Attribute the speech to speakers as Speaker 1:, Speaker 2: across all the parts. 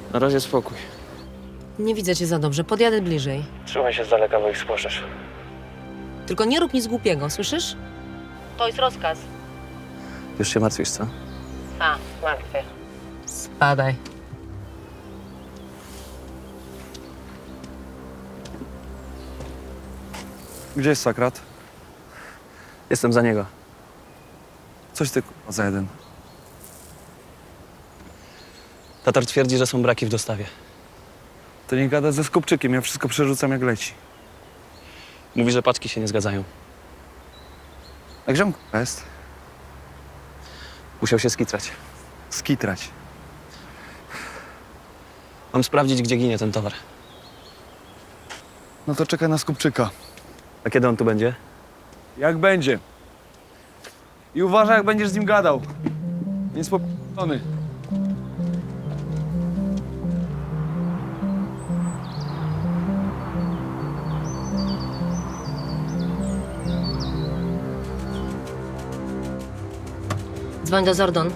Speaker 1: Na razie spokój.
Speaker 2: Nie widzę cię za dobrze, podjadę bliżej.
Speaker 1: Trzymaj się z daleka, bo ich spłaszesz.
Speaker 2: Tylko nie rób nic głupiego, słyszysz? To jest rozkaz.
Speaker 1: Już się martwisz, co?
Speaker 2: A, martwię. Spadaj.
Speaker 3: Gdzie jest Sakrat?
Speaker 1: Jestem za niego.
Speaker 3: Coś ty k***a za jeden.
Speaker 1: Tatar twierdzi, że są braki w dostawie.
Speaker 3: To nie gada ze Skupczykiem, ja wszystko przerzucam jak leci.
Speaker 1: Mówi, że paczki się nie zgadzają.
Speaker 3: A gdzie on k***a jest?
Speaker 1: Musiał się skitrać.
Speaker 3: Skitrać.
Speaker 1: Mam sprawdzić, gdzie ginie ten towar.
Speaker 3: No to czekaj na Skupczyka.
Speaker 1: A kiedy on tu będzie?
Speaker 3: Jak będzie. I uważaj, jak będziesz z nim gadał. Jest poprzony.
Speaker 2: Dzwoń do Zordon.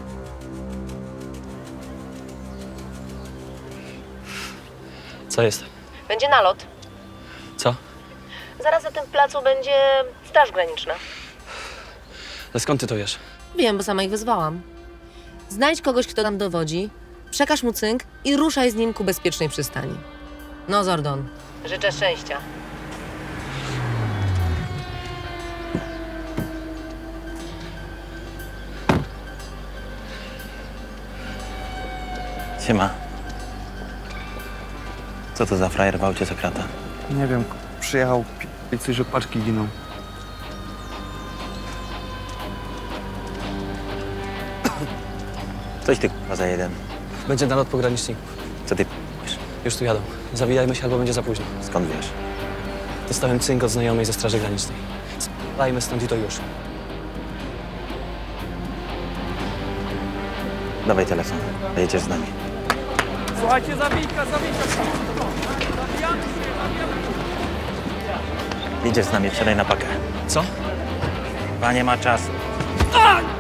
Speaker 1: Co jest?
Speaker 2: Będzie nalot.
Speaker 1: Co?
Speaker 2: Zaraz na tym placu będzie Straż Graniczna.
Speaker 1: Ale skąd ty to wiesz?
Speaker 2: Wiem, bo sama ich wezwałam. Znajdź kogoś, kto nam dowodzi, przekaż mu cynk i ruszaj z nim ku bezpiecznej przystani. No, Zordon. Życzę szczęścia.
Speaker 4: Siema. Co to za frajer w aucie Sokrata?
Speaker 3: Nie wiem, przyjechał i coś, że paczki giną.
Speaker 4: Coś ty k***a za jeden.
Speaker 1: Będzie nalot pograniczników.
Speaker 4: Co ty p***isz?
Speaker 1: Już tu jadą. Zawijajmy się, albo będzie za późno.
Speaker 4: Skąd wiesz?
Speaker 1: Dostałem cynk od znajomej ze Straży Granicznej. Spadajmy stąd i to już.
Speaker 4: Dawaj telefon. Jedziesz z nami.
Speaker 3: Słuchajcie, zabijka!
Speaker 4: Jedziesz z nami, wsiadaj na pakę.
Speaker 1: Co?
Speaker 4: Chyba nie ma czasu.
Speaker 3: A!